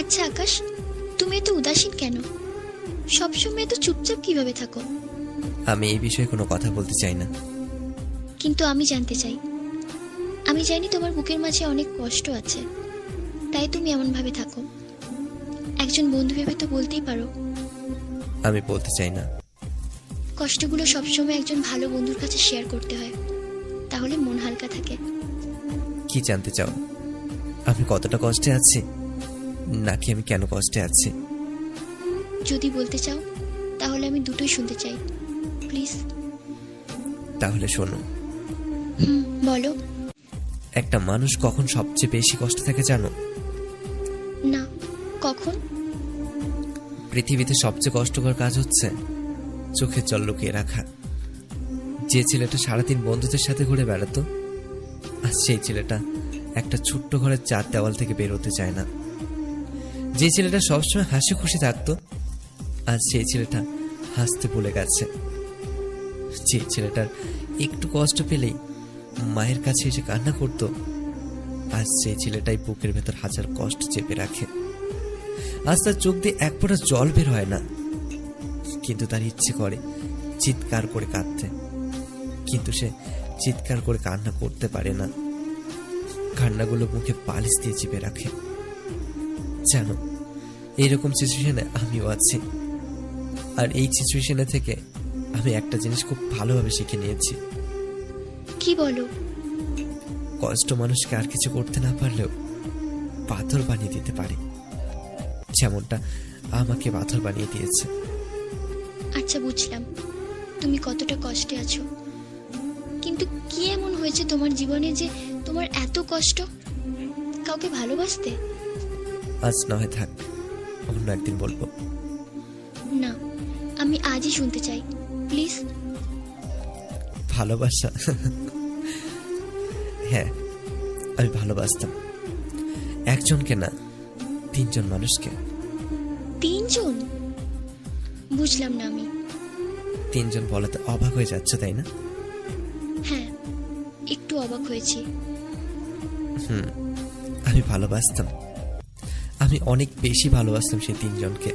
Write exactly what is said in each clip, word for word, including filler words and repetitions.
আচ্ছা আকাশ, তুমি এত উদাসীন কেন? সবসময় এত চুপচাপ কিভাবে থাকো? আমি এই বিষয়ে কোনো কথা বলতে চাই না। কিন্তু আমি জানতে চাই। আমি জানি তোমার বুকের মাঝে অনেক কষ্ট আছে, তাই তুমি এমন ভাবে থাকো। একজন বন্ধু ভেবে তো বলতেই পারো। আমি বলতে চাই না। কষ্টগুলো সবসময় একজন ভালো বন্ধুর কাছে শেয়ার করতে হয়, তাহলে মন হালকা থাকে। কি জানতে চাও? আমি কতটা কষ্টে আছি, নাকি আমি কেন কষ্টে আছি? যদি বলতে চাও তাহলে আমি দুটোই শুনতে চাই, প্লিজ। তাহলে শোনো। হুম, বলো। একটা মানুষ কখন সবচেয়ে বেশি কষ্ট থাকে জানো? না, কখন? পৃথিবীতে সবচেয়ে কষ্টকর কাজ হচ্ছে চোখের জল লুকিয়ে রাখা। যে ছেলেটা সারাদিন বন্ধুদের সাথে ঘুরে বেড়াতো, আর সেই ছেলেটা একটা ছোট্ট ঘরের চার দেওয়াল থেকে বের হতে চায় না। যে ছেলেটা সবসময় হাসি খুশি থাকতো, আজ সেই ছেলেটা হাসতে ভুলে গেছে। যে ছেলেটার একটু কষ্ট পেলেই মায়ের কাছে এসে কান্না করত, আজ সেই ছেলেটাই বুকের ভেতর হাজার কষ্ট চেপে রাখে। আজ তার চোখ দিয়ে এক ফোঁটা জল বের হয় না, কিন্তু তার ইচ্ছে করে চিৎকার করে কাঁদতে, কিন্তু সে চিৎকার করে কান্না করতে পারে না। কান্নাগুলো মুখে পালিশ দিয়ে চেপে রাখে। জানো, এইরকম সিচুয়েশনে আমিও আছি। আর এই সিচুয়েশনে থেকে আমি একটা জিনিস খুব ভালোভাবে শিখে নিয়েছি। কি বলো? কষ্ট মানুষকে আর কিছু করতে না পারলেও পাথর বানিয়ে দিতে পারে, যেমনটা আমাকে পাথর বানিয়ে দিয়েছে। আচ্ছা, বুঝলাম তুমি কতটা কষ্টে আছো, কিন্তু কি এমন হয়েছে তোমার জীবনে যে তোমার এত কষ্ট? কাউকে ভালোবাসতে? আজ নয়, থাক, অন্য একদিন বলবো। না, আমি আজই শুনতে চাই, প্লিজ। ভালোবাসা? হ্যাঁ, আমি ভালোবাসতাম। একজনকে না, তিনজন মানুষকে। তিনজন? বুঝলাম না আমি। তিনজন বলাতে অবাক হয়ে যাচ্ছ, তাই না? হ্যাঁ, একটু অবাক হয়েছি। হুম, আমি ভালোবাসতাম। আমি অনেক বেশি ভালোবাসতাম সেই তিনজনকে।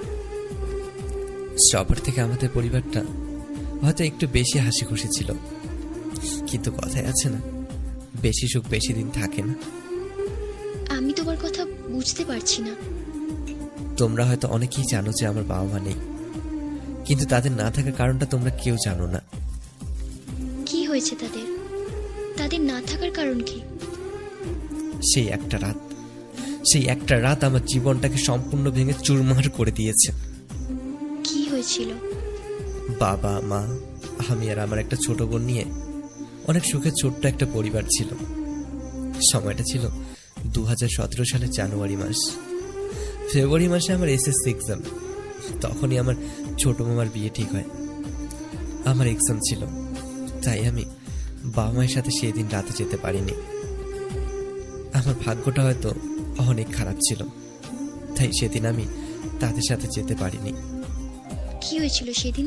সবার থেকে আমাদের পরিবারটা হয়তো একটু বেশি হাসি খুশি ছিল, কিন্তু কথায় আছে না, বেশি সুখ বেশি দিন থাকে না। আমি তোমার কথা বুঝতে পারছি না। তোমরা হয়তো অনেকেই জানো যে আমার বাবা মা নেই, কিন্তু তাদের না থাকার কারণটা তোমরা কেউ জানো না। কি হয়েছে তাদের? তাদের না থাকার কারণ কি? সেই একটা রাত, সেই একটা রাত আমার জীবনটাকে সম্পূর্ণ ভেঙে চুরমার করে দিয়েছে। কি হয়েছিল? বাবা মা, আমি আর আমার একটা ছোট বোন নিয়ে অনেক সুখে ছোট্ট একটা পরিবার ছিল। সময়টা ছিল দু হাজার সতেরো সালের জানুয়ারি মাস। ফেব্রুয়ারি মাসে আমার এসএসসি এক্সাম। তখনই আমার ছোট মামার বিয়ে ঠিক হয়। আমার এক্সাম ছিল, তাই আমি বাবা মায়ের সাথে সেই দিন রাতে যেতে পারিনি। আমার ভাগ্যটা হয়তো অনেক খারাপ ছিল, তাই সেদিন আমি তাদের সাথে যেতে পারিনি। কি হয়েছিল সেদিন?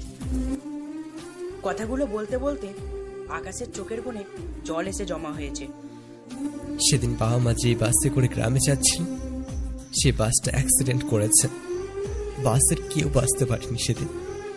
কথাগুলো বলতে বলতে আকাশের চোখের কোণে জল এসে জমা হয়েছে। সেদিন বাবা মা যে বাসে করে গ্রামে যাচ্ছিল, সে বাসটা অ্যাক্সিডেন্ট করেছে। বাসের কেউ বাঁচতে পারেনি সেদিন।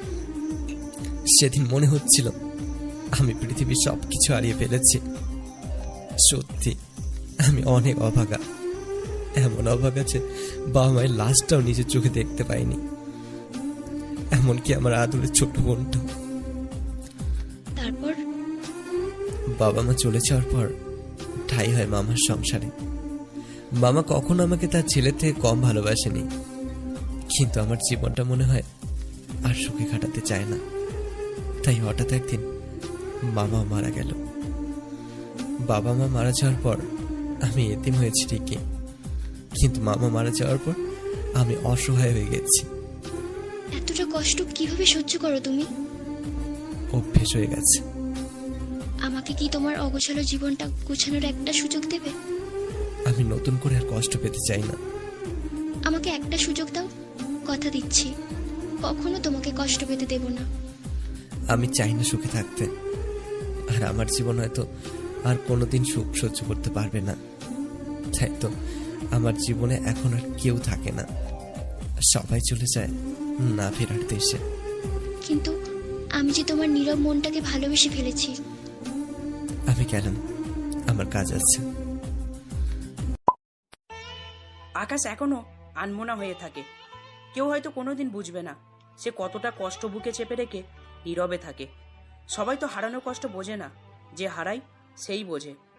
সেদিন মনে হচ্ছিল আমি পৃথিবীর সব কিছু হারিয়ে ফেলেছি। সত্যি আমি অনেক অভাগা, এমন অভাগা যে বাবা মায়ের লাশটাও নিজের চোখে দেখতে পাইনি, এমনকি আমার আদরের ছোট বোনটা। তারপর? বাবা মা চলে যাওয়ার পর ঠাই হয় মামার সংসারে। মামা কখনো আমাকে তার ছেলে থেকে কম ভালোবাসেনি, কিন্তু আমার জীবনটা মনে হয় আর সুখে কাটাতে চায় না। তাই হঠাৎ একদিন মামা মারা গেল। বাবা মা মারা যাওয়ার পর আমি এতিম হয়েছি ঠিকই, কিন্তু মামা মারা যাওয়ার পর আমি অসহায় হয়ে গেছি। এতটা কষ্ট কিভাবে সহ্য করো তুমি? অভ্যেস হয়ে গেছে। আমাকে কি তোমার অগোছালো জীবনটা গোছানোর একটা সুযোগ দেবে? আমি নতুন করে আর কষ্ট পেতে চাই না। আমাকে একটা সুযোগ দাও, কথা দিচ্ছি কখনো তোমাকে কষ্ট পেতে দেব না। আমি চাই না সুখে থাকতে, আর আমার জীবন হয়তো আর কোনোদিন সুখ সহ্য করতে পারবে না। তাই তো আমার জীবনে এখন আর কেউ থাকে না, সবাই চলে যায় না ফেরার দেশে। কিন্তু আমি যে তোমার নীরব মনটাকে ভালোবেসে ফেলেছি। আমি গেলাম, আমার কাজ আছে। আকাশ এখনো আনমনা হয়ে থাকে। কেউ হয়তো কোনোদিন বুঝবে না সে কতটা কষ্ট বুকে চেপে রেখে নীরবে থাকে। সবাই তো হারানোর কষ্ট বোঝে না, যে হারায় সেই বোঝে।